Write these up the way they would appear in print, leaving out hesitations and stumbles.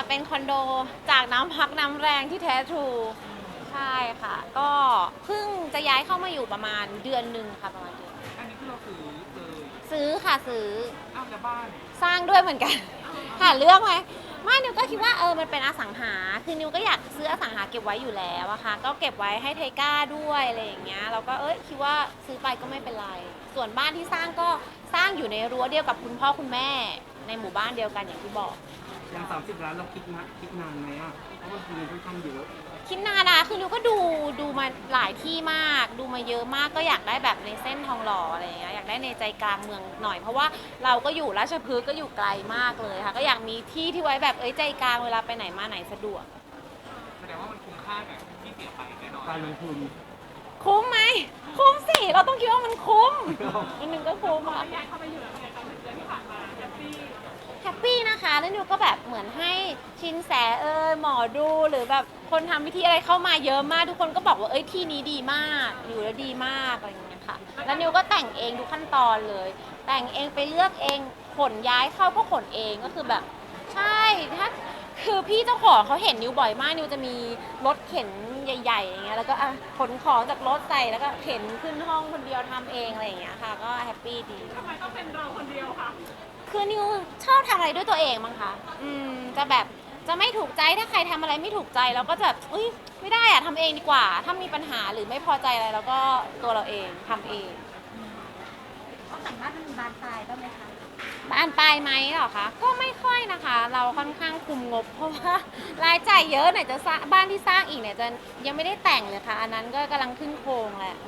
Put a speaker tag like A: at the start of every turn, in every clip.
A: เป็นคอนโดจากน้ำพักน้ำแรงที่แท้ทรูใช่ค่ะ ก็เพิ่งจะย้ายเข้ามาอยู่ประมาณเดือนหนึ่งค่ะประมาณเดือน
B: อันนี้คือเราซื้อเลย
A: ซื้อค่ะซื้อ
B: อ้าวแล้วบ้าน
A: สร้างด้วยเหมือนกันหาเรื่องไหมไม่นิวก็คิดว่ามันเป็นอสังหาคือนิวก็อยากซื้ออสังหาเก็บไว้อยู่แล้วอะค่ะก็เก็บไว้ให้ไทก้าด้วยอะไรอย่างเงี้ยเราก็คิดว่าซื้อไปก็ไม่เป็นไรส่วนบ้านที่สร้างก็สร้างอยู่ในรั้วเดียวกับคุณพ่อคุณแม่ในหมู่บ้านเดียวกันอย่างที่บอก
B: อย่าง30 ล้านเราคิดนานไหมอ่ะเพราะว่าเงินค่อนข้างเยอะ
A: คิดนานนะคือนิวก็ดูมาหลายที่มาก ดูมาเยอะมากก็อยากได้แบบในเส้นทองหล่ออะไรอย่างเงี้ยอยากได้ในใจกลางเมืองหน่อยเพราะว่าเราก็อยู่ราชพฤกษ์ก็อยู่ไกลมากเลยค่ะก็อยากมีที่ที่ไว้แบบใจกลางเวลาไปไหนมาไหนสะดวก
B: แสดงว่ามันคุ้มค่ากับที่เสียไปแน่นอนการลงทุน
A: คุ้มไหมคุ้มสิเราต้องคิดว่ามันคุ้มนิดนึงก็คุ้มค่ะ
B: ย้ายเข้าไปอยู่แล้วไงตอนเดือนที่ผ่านมาแฮปปี้
A: แฮปปี้นะคะแล้วนิวก็แบบเหมือนให้ชินแสหมอดูหรือแบบคนทำพิธีอะไรเข้ามาเยอะมากทุกคนก็บอกว่าที่นี้ดีมากอยู่แล้วดีมากอะไรอย่างเงี้ยค่ะแล้วนิวก็แต่งเองทุกขั้นตอนเลยแต่งเองไปเลือกเองขนย้ายเข้าก็ขนเองก็คือแบบใช่ถ้าคือพี่เจ้าของเขาเห็นนิวบ่อยมากนิวจะมีรถเข็นใหญ่ๆอย่างเงี้ยแล้วก็ขนของจากรถใส่แล้วก็เข็นขึ้นห้องคนเดียวทำเองอะไรอย่างเงี้ยค่ะก็แฮปปี้ดี
B: ทำไมต้องเป็นเราคนเดียวคะ
A: คือนิวชอบทำอะไรด้วยตัวเองมั้งคะจะแบบจะไม่ถูกใจถ้าใครทำอะไรไม่ถูกใจเราก็จะไม่ได้อะทำเองดีกว่าถ้ามีปัญหาหรือไม่พอใจอะไรเราก็ตัวเราเองทำเอง
C: ต้องแต่งบ้านมันมีบานปลายบ้างไหมคะ
A: บานปลายไหมเหรอคะก็ไม่ค่อยนะคะเราค่อนข้างคุมงบเพราะว่ารายจ่ายเยอะไหนจะสร้างบ้านที่สร้างอีกเนี่ยจะยังไม่ได้แต่งเลยค่ะอันนั้นก็กำลังขึ้นโครงแหละ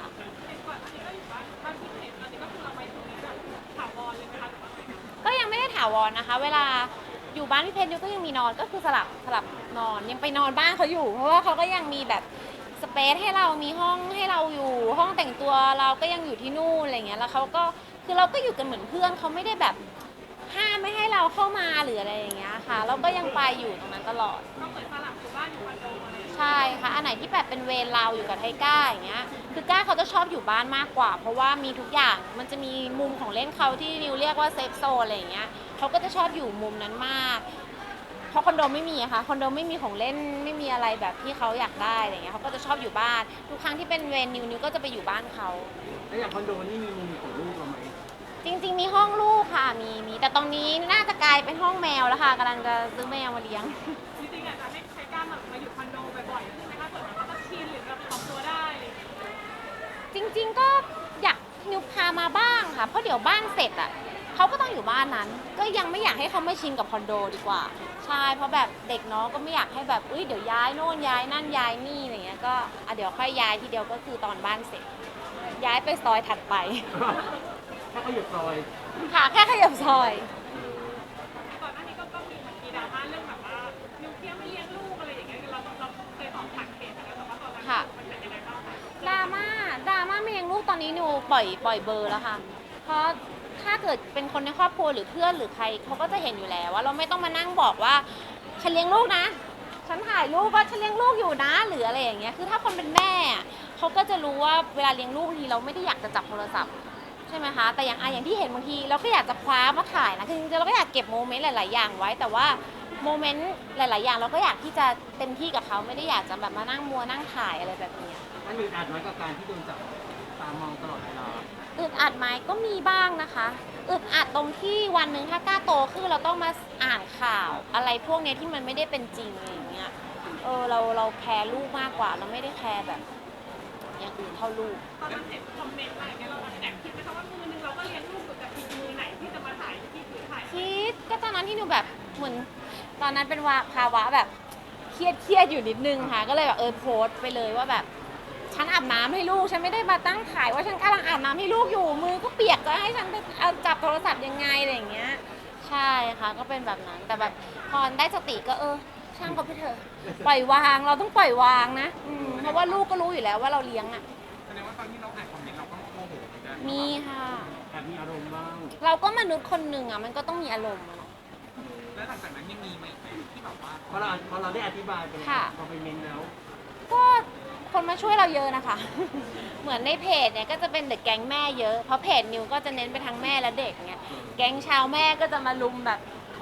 A: ก็ยังไม่ได้ถาวรนะคะ เวลาอยู่บ้านพี่เพชรนิวก็ยังมีนอนก็คือสลับนอนยังไปนอนบ้านเขาอยู่เพราะว่าเขาก็ยังมีแบบสเปซให้เรามีห้องให้เราอยู่ห้องแต่งตัวเราก็ยังอยู่ที่นู่นอะไรเงี้ยแล้วเขาก็คือเราก็อยู่กันเหมือนเพื่อนเขาไม่ได้แบบห้ามไม่ให้เราเข้ามาหรืออะไรอย่างเงี้ยค่ะเราก็ยังไปอยู่ตรงนั้นตลอด
B: ก็เหมือนสลับอยู่บ้านอยู่คอนโดอะไร
A: ใช่ค่ะอันไหนที่แบบเป็นเวรเราอยู่กับไทก้าอย่างเงี้ยคือก้าเขาจะชอบอยู่บ้านมากกว่าเพราะว่ามีทุกอย่างมันจะมีมุมของเล่นเขาที่นิวเรียกว่าเซฟโซนอะไรอย่างเงี้ยเขาก็จะชอบอยู่มุมนั้นมากเพราะคอนโดไม่มีอะค่ะคอนโดไม่มีของเล่นไม่มีอะไรแบบที่เขาอยากได้อะไรเงี้ยเขาก็จะชอบอยู่บ้านทุกครั้งที่เป็นเวรนิวก็จะไปอยู่บ้านเขา
B: แล้วอย่างคอนโดนี่มีมุมของลูกเราไหม
A: จริงๆมีห้องลูกค่ะมีแต่ตรงนี้น่าจะกลายเป็นห้องแมวแล้วค่ะกำลังจะซื้อแมวมาเลี้ยง
B: จริงๆอาจจะให้ใครกล้ามาอยู่คอนโดบ่อยๆขึ้นไหมคะเผื่อเขาก็ชินหรือแบบปรับตัวได้
A: จริงๆก็อยากนิวพามาบ้างค่ะเพราะเดี๋ยวบ้านเสร็จอ่ะเขาก็ต้องอยู่บ้านนั้นก็ยังไม่อยากให้เขามาชินกับคอนโดดีกว่าใช่เพราะแบบเด็กน้องก็ไม่อยากให้แบบเดี๋ยวย้ายโน่นย้ายนั่นย้ายนี่อะไรเงี้ยก็เดี๋ยวค่อยย้ายทีเดียวก็คือตอนบ้านเสร็จย้ายไปซอยถัดไป
B: ถ้าเขาอยู่ซอย
A: ค่ะแค่ขยับซอย
B: ก่อนหน้านี้ก็มีดราม่าเรื่องแบบว่านิวเคลียร์ไม่เลี้ยงลูกอะไรอย่างเงี้ยเราเคยออกผ่านเพจแล้วแต่ว่าตอนนั้นมันเป็นยังไงบ้าง
A: ดราม่าไม่เลี้ยงลูกตอนนี้นิวปล่อยเบอร์แล้วค่ะเพราะถ้าเกิดเป็นคนในครอบครัวหรือเพื่อนหรือใครเขาก็จะเห็นอยู่แล้วว่าเราไม่ต้องมานั่งบอกว่าฉันเลี้ยงลูกนะฉันถ่ายรูปว่าฉันเลี้ยงลูกอยู่นะหรืออะไรอย่างเงี้ยคือถ้าคนเป็นแม่เขาก็จะรู้ว่าเวลาเลี้ยงลูกบางทีเราไม่ได้อยากจะจับโทรศัพท์ใช่ไหมคะแต่อย่างที่เห็นบางทีเราก็อยากจะคว้ามาถ่ายนะคือจริงๆเราก็อยากเก็บโมเมนต์หลายๆอย่างไว้แต่ว่าโมเมนต์หลายๆอย่างเราก็อยากที่จะเต็มที่กับเขาไม่ได้อยากจะแบบมานั่งมัวนั่งถ่ายอะไรแบบนี้
B: มันอึดอัดน้อยกับการที่โดนจับตามองตลอดเวลา
A: อึดอัดไหมก็มีบ้างนะคะอึดอัดตรงที่วันหนึ่งถ้ากล้าโตขึ้นเราต้องมาอ่านข่าวอะไรพวกนี้ที่มันไม่ได้เป็นจริงอะไรอย่างเงี้ยเราแคร์ลูกมากกว่าเราไม่ได้แคร์แบบอย่างอื่นเท่าลูก
B: ตอนนั้นเห็นคอมเมนต์อะไรเงี้ยเราแอบคิดไหมคะว่ามือนึงเราก็เลี้ยงลูกอยู่แต่อีกมือไหนที่จะมาถ่ายที่ถือถ่าย
A: คิดก็ตอนนั้นที่หนูแบบเหมือนตอนนั้นเป็นภาวะแบบเครียดอยู่นิดนึงค่ะก็เลยแบบโพสต์ไปเลยว่าแบบฉันอาบน้ำให้ลูกฉันไม่ได้มาตั้งถ่ายว่าฉันกำลังอาบน้ำให้ลูกอยู่มือก็เปียกจะให้ฉันไปเอาจับโทรศัพท์ยังไงอะไรอย่างเงี้ยใช่ค่ะก็เป็นแบบนั้นแต่แบบพอได้สติก็ช่างเขาไปเถอะปล่อยวางเราต้องปล่อยวางนะเพราะว่าลูกก็รู้อยู่แล้วว่าเราเลี้ยงอ่ะ
B: แสดงว่าตอนที่เราอ่านคอมเมนต์เราก็โมโหเหมือนกัน
A: มีค่ะ
B: แอบมีอารมณ์บ้าง
A: เราก็มนุษย์คนหนึ่งอ่ะมันก็ต้องมีอารมณ์
B: แล้วหลังจากนั้นยังมีไหมที่แบบว่าพอเราได้อธิบายไปแล้วพอไปเมนแล้ว
A: ก็คนมาช่วยเราเยอะนะคะ เหมือนในเพจเนี่ยก็จะเป็นเด็กแก๊งแม่เยอะเพราะเพจนิวก็จะเน้นไปทางแม่และเด็กเนี่ยแก๊งชาวแม่ก็จะมาลุมแบบค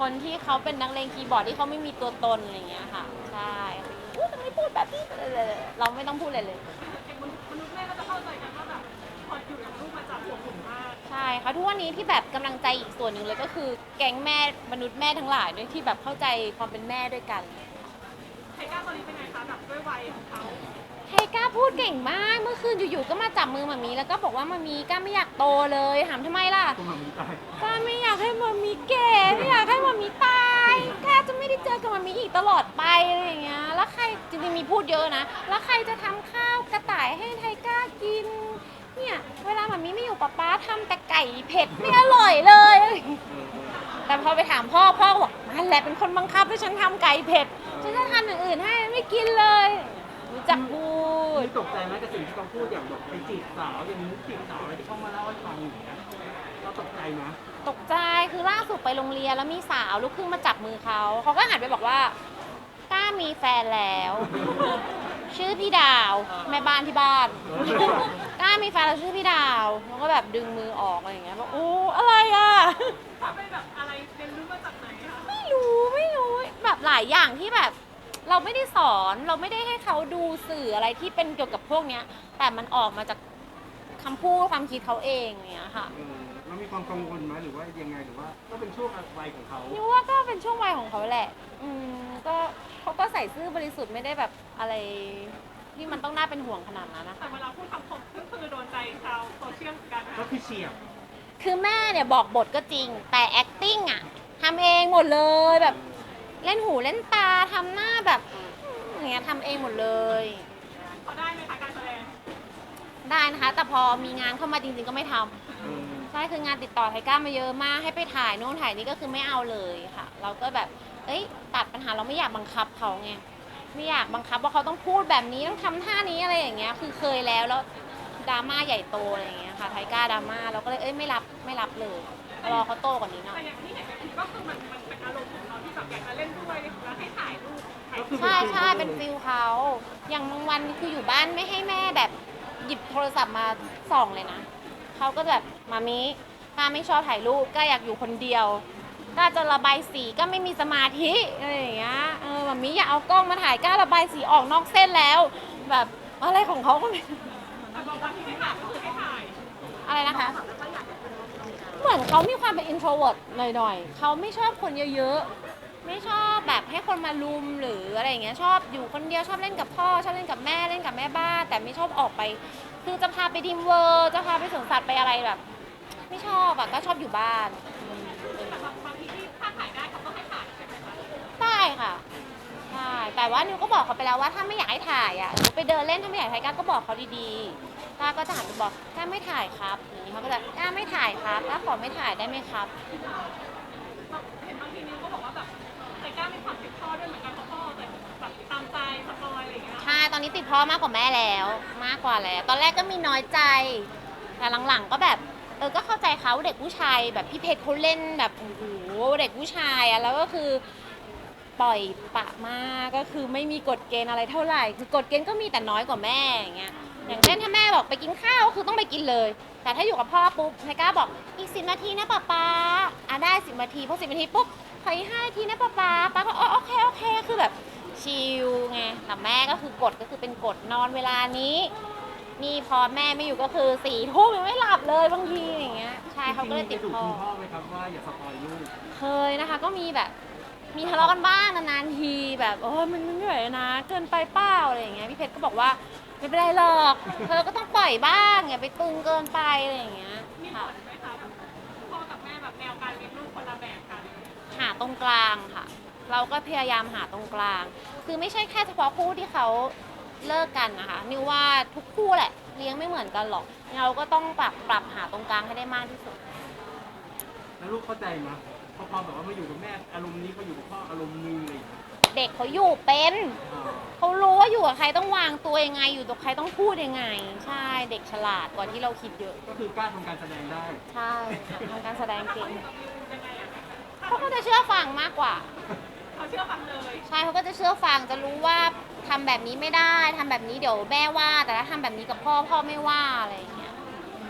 A: คนที่เขาเป็นนักเลงคีย์บอร์ดที่เขาไม่มีตัวตนอะไรอย่างเงี้ยค่ะใช่อู้ทำไมพูดแบบนี้เราไม่ต้องพูดเลยเลย
B: มนุษย์แม่ก็จะเข้าใจกันว่าแบบพออยู่กับลูกมาจากหัวผมมาก
A: ใช่ค่ะทุกวันนี้ที่แบบกำลังใจอีกส่วนหนึ่งเลยก็คือแก๊งแม่มนุษย์แม่ทั้งหลายด้วยที่แบบเข้าใจความเป็นแม่ด้วยกัน
B: ไทก้าตอนนี้เป็นไงคะแบบด้วยวัยของเขา
A: ไทก้าพูดเก่งมากเมื่อคืนอยู่ๆก็มาจับมือมามีแล้วก็บอกว่ามามีก้าไม่อยากโตเลยถามทำไมล่ะ
D: ตัวมันตาย
A: ก้าไม่อยากให้มามีแก่ไม่อยากให้มามีตายก้าจะไม่ได้เจอกับมามีอีกตลอดไปอะไรอย่างเงี้ยแล้วใครจริงๆมีพูดเยอะนะแล้วใครจะทำข้าวกระต่ายให้ไทก้ากินเนี่ยเวลามามีไม่อยู่ป๊าทำแต่ไก่เผ็ดไม่อร่อยเลย แต่พอไปถามพ่อก็บอกนั่นแหละเป็นคนบังคับให้ฉันทำไก่เผ็ดฉันจะทำอย่างอื่นให้ไม่กินเลยรู้จักพูด
D: มีตกใจไหมกับสิ่งที่เขาพูดอย่างแบบไปจีบสาวอย่างนี้จีบสาวอะไรที่เขามาเล่าให้ฟังอย่างเงี้ยเราตกใจนะ
A: ตกใจคือล่าสุดไปโรงเรียนแล้วมีสาวลูกครึ่งมาจับมือเขาก็หันไปบอกว่าก้ามีแฟนแล้ว ชื่อพี่ดาวแม่บ้านที่บ้านก้ามีแฟนแล้วชื่อพี่ดาวแล้วก็แบบดึงมือออกอะไรอย่างเงี้ยบอกโอ้อะไรอ่ะ
B: เขาเป็นแบบอะไรเรียนรู้มาจากไหนคะ
A: ไม่รู้แบบหลายอย่างที่แบบ เราไม่ได้สอนเราไม่ได้ให้เขาดูสื่ออะไรที่เป็นเกี่ยวกับพวกเนี้ย แต่มันออกมาจากคำพูดความคิดเขาเองเนี้ยค่ะ
D: เรามีความกังวลไหมหรือว่ายังไงหรือว่าก็เป็นช่วงวัยของเขา
A: นี่ว่าก็เป็นช่วงวัยของเขาแหละ ก็เขาก็ใส่ซื่อบริสุทธิ์ไม่ได้แบบอะไรที่มันต้องน่าเป็นห่วงขนาดนั้นนะคะ
B: แต่เวลาพูดคำคมก็คือโดนใจชาวโซเชียลเหมือนกันนะ
D: ก็
B: คะ
D: คือเฉียบ
A: คือแม่เนี่ยบอกบทก็จริง แต่ acting อะทำเองหมดเลยแบบเล่นหูเล่นตาทำหน้าแบบอย่างเงี้ยทำเองหมดเลย
B: พอได้ไหมคะการแสดง
A: ได้นะคะ แต่พอมีงานเข้ามาจริงๆก็ไม่ทำใช่คืองานติดต่อไทก้ามาเยอะมากให้ไปถ่ายโน่นถ่ายนี่ก็คือไม่เอาเลยค่ะ เราก็แบบเอ้ยตัดปัญหาเราไม่อยากบังคับเขาไงไม่อยากบังคับว่าเขาต้องพูดแบบนี้ต้องทำท่านี้อะไรอย่างเงี้ยคือเคยแล้วดราม่าใหญ่โตอะไรอย่างเงี้ยค่ะไทก้าดราม่าเราก็เลยไม่รับเลยรอเขาโตกว่านี้หน่อ
B: แต่
A: ย
B: อย่างที่เห็นในคลิปก็คือมันเป็นอารมณ์ของเขาที่แบบอยากจะเล่นด้วยแล้วให้ถ่ายรูปถ่าย
D: ก็คือ
A: ใช่เป็นฟิลเขาอย่างบางวันคืออยู่บ้านไม่ให้แม่แบบหยิบโทรศัพท์มาส่องเลยนะเขาก็แบบมามิก้าไม่ชอบถ่ายรูปก้าอยากอยู่คนเดียวก้าจะระบายสีก็ไม่มีสมาธิอะไรอย่างเงี้ยมามิอย่าเอากล้องมาถ่ายก้าระบายสีออกนอกเส้นแล้ว แบบอะไรของเขาก็ไม่
B: แต่บางวันที่ไม่ถ่ายก็คือให้ถ่าย
A: อะไรนะคะ เหมือนเขามีความเป็น introvert หน่อยๆเขาไม่ชอบคนเยอะๆไม่ชอบแบบให้คนมาลุมหรืออะไรอย่างเงี้ยชอบอยู่คนเดียวชอบเล่นกับพ่อชอบเล่นกับแม่เล่นกับแม่บ้านแต่ไม่ชอบออกไป คือจะพาไปดิมเวอร์จะพาไปสวนสัตว์ไปอะไรแบบ ไม่ชอบอะก็ชอบอยู่บ้าน
B: แต่บางทีที่ถ้าถ่ายได้เขาก็ให้ถ่ายใช่ไหมคะ
A: ได้ค่ะใช่แต่ว่านิวก็บอกเขาไปแล้วว่าถ้าไม่อยากให้ถ่ายอ่ะหนูไปเดินเล่นถ้าไม่อยากถ่ายก้าก็บอกเขาดีๆก้าก็จะหันไปบอกก้าไม่ถ่ายครับอย่างนี้เขาก็จะก้าไม่ถ่ายครับก้าขอไม่ถ่ายได้ไหมครับ
B: เห็นบางทีนิ้วก็บอกว่าแบบไทก้ามีความผิดพ่อด้วยเหมือนกันเพราะพ่อแต่แบบตามใจสปอยอะไรอย่างเงี้ย
A: ใช่ตอนนี้ติดพ่อมากกว่าแม่แล้วมากกว่าแล้ว ตอนแรกก็มีน้อยใจ แต่หลังๆก็แบบก็เข้าใจเขาเด็กผู้ชายแบบพี่เพชรเขาเล่นแบบโอ้โหเด็กผู้ชายอะแล้วก็คือปล่อยปะมากก็คือไม่มีกฎเกณฑ์อะไรเท่าไหร่ คือกฎเกณฑ์ก็มีแต่น้อยกว่าแม่อย่างเงี้ยอย่างเช่นถ้าแม่บอกไปกินข้าวคือต้องไปกินเลย แต่ถ้าอยู่กับพ่อปุ๊บไทก้าบอกอีก10 นาทีนะป๊าป๊าได้10 นาทีพอ10 นาทีปุ๊บขออีก5 นาทีนะป๊าป๊าก็โอเคคือแบบชิลไงแต่แม่ก็คือกฎก็คือเป็นกฎนอนเวลานี้นี่พอแม่ไม่อยู่ก็คือ4 ทุ่มยังไม่หลับเลยบางทีอย่างเงี้ยใช่เขาก็เลยติด
D: จริงๆ
A: พ่อ
D: คุณพ่อไหมครับว่าอย่าสปอยลูก
A: เคยนะคะก็มีแบบมีทะเลาะกันบ้างนานๆทีแบบโอ้ยมันไม่ไหวนะเกินไปเปล่าอะไรอย่างเงี้ยพี่เพชรก็บอกว่าไม่เป็นไรหรอกเธอก็ต้องปล่อยบ้างอย่าไปตึงเกินไปอะไรอย่างเงี้ย
B: มีผ
A: ค่ะ
B: ลไหมคะแบบพ่อกับแม่แบบแนวการเลี้ยงลูกคนละแบบกัน
A: หาตรงกลางค่ะ เราก็พยายามหาตรงกลาง คือไม่ใช่แค่เฉพาะคู่ที่เขาเลิกกันนะคะนิวว่าทุกคู่แหละเลี้ยงไม่เหมือนกันหรอกเราก็ต้องปรับหาตรงกลางให้ได้มากที่สุด
D: แล้วลูกเข้าใจไหมพอแบบว่ามาอยู่กับแม่อารมณ์นี้เขาอยู่กับพ่ออารมณ์นึงอะไรอย่างเงี้ย
A: เด็กเขาอยู่เป็น
D: อ่า
A: เขารู้ว่าอยู่กับใครต้องวางตัวยังไง อยู่กับใครต้องพูดยังไง ใช่เด็กฉลาดกว่าที่เราคิดเยอะ
D: ก็คือกล้าทำการแสดงได้
A: ใช่ทำการแสดงเก่ง
B: ยังไงอะ
A: เขาก็จะเชื่อฟังมากกว่า
B: เขาเชื่อฟังเลย
A: ใช่เขาก็จะเชื่อฟังจะรู้ว่าทำแบบนี้ไม่ได้ทำแบบนี้เดี๋ยวแม่ว่า แต่ถ้าทำแบบนี้กับพ่อไม่ว่าอะไรอย่างเงี้ย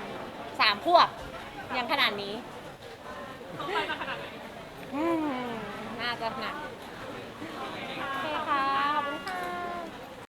A: 3 ขวบยังขนาดนี้
B: เขาไปมาขนาดไหน
A: อืมจะหนัก